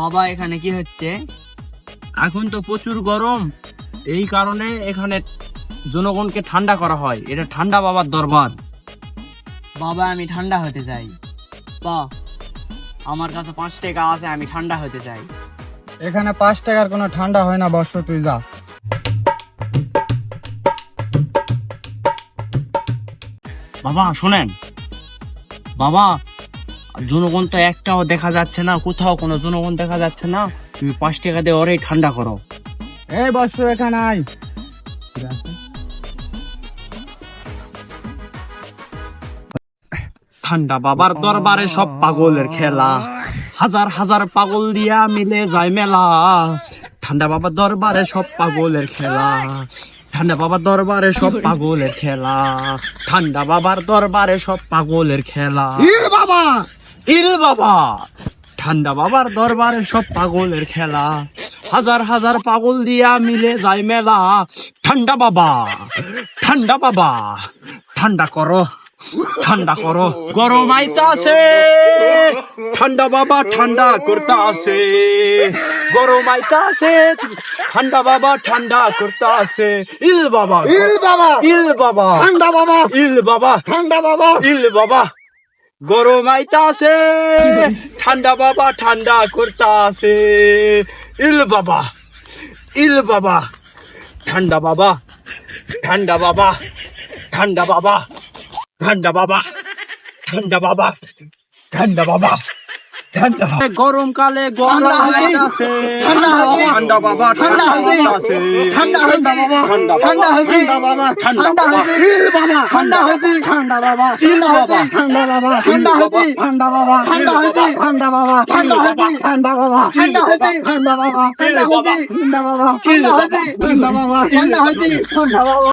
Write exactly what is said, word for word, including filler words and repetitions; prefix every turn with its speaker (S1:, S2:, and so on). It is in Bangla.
S1: বাবা এখানে কি হচ্ছে?
S2: এখন তো প্রচুর গরম, এই কারণে এখানে জনগণকে ঠান্ডা করা হয়। এটা ঠান্ডা বাবার দরবার।
S1: বাবা আমি ঠান্ডা হতে চাই। বা আমার কাছে পাঁচ টাকা আছে, আমি ঠান্ডা হতে চাই।
S3: এখানে পাঁচ টাকার কোনো ঠান্ডা হয় না বর্ষ, তুই যা।
S2: বাবা শোনেন, বাবা জনগণ তো একটাও দেখা যাচ্ছে না, কোথাও কোনো জনগণ দেখা যাচ্ছে না। তুমি পাঁচ টাকা দিয়ে ওরাই ঠান্ডা করো।
S3: এই বর্ষ এখানে আয়।
S2: ঠান্ডা বাবার দরবারে সব পাগলের খেলা, হাজার হাজার পাগল দিয়া মিলে যায় মেলা। ঠান্ডা বাবার দরবারে সব পাগলের খেলা, ঠান্ডা বাবার দরবারে সব পাগলের খেলা, ঠান্ডা বাবার দরবারে সব পাগলের খেলা।
S3: ইল বাবা,
S2: ইল বাবা, ঠান্ডা বাবার দরবারে সব পাগলের খেলা, হাজার হাজার পাগল দিয়া মিলে যায় মেলা। ঠান্ডা বাবা, ঠান্ডা বাবা, ঠান্ডা করো, ঠান্ডা করো, গরম আইতাছে। ঠান্ডা বাবা ঠান্ডা করতে আছে, গরম আইতাছে। ঠান্ডা বাবা ঠান্ডা করতে আছে। ইল বাবা,
S3: ইল বাবা,
S2: ইল বাবা,
S3: ঠান্ডা বাবা,
S2: ইল বাবা,
S3: ঠান্ডা বাবা,
S2: ইল বাবা, গরম আইতাছে। ঠান্ডা বাবা ঠান্ডা করতে আছে। ইল বাবা, ইল বাবা, ঠান্ডা বাবা, ঠান্ডা বাবা, ঠান্ডা বাবা, ঠান্ডা বাবা, ঠান্ডা বাবা, ঠান্ডা বাবা, ঠান্ডা। গরমকালে গরম আইতাছে। ঠান্ডা বাবা ঠান্ডা আইতাছে।
S3: ঠান্ডা ঠান্ডা বাবা,
S2: ঠান্ডা
S3: ঠান্ডা হইছে,
S2: ঠান্ডা বাবা, ঠান্ডা
S3: ঠান্ডা
S2: বাবা,
S3: হইছে, ইল বাবা, ঠান্ডা হইছে, ঠান্ডা বাবা, ঠান্ডা হইছে, ঠান্ডা বাবা, ঠান্ডা হইছে, ঠান্ডা বাবা, ঠান্ডা হইছে, ঠান্ডা বাবা, ঠান্ডা হইছে, ঠান্ডা বাবা, ঠান্ডা হইছে, ঠান্ডা বাবা, ঠান্ডা হইছে, ঠান্ডা বাবা, ঠান্ডা হইছে, ঠান্ডা বাবা, ঠান্ডা হইছে, ঠান্ডা বাবা।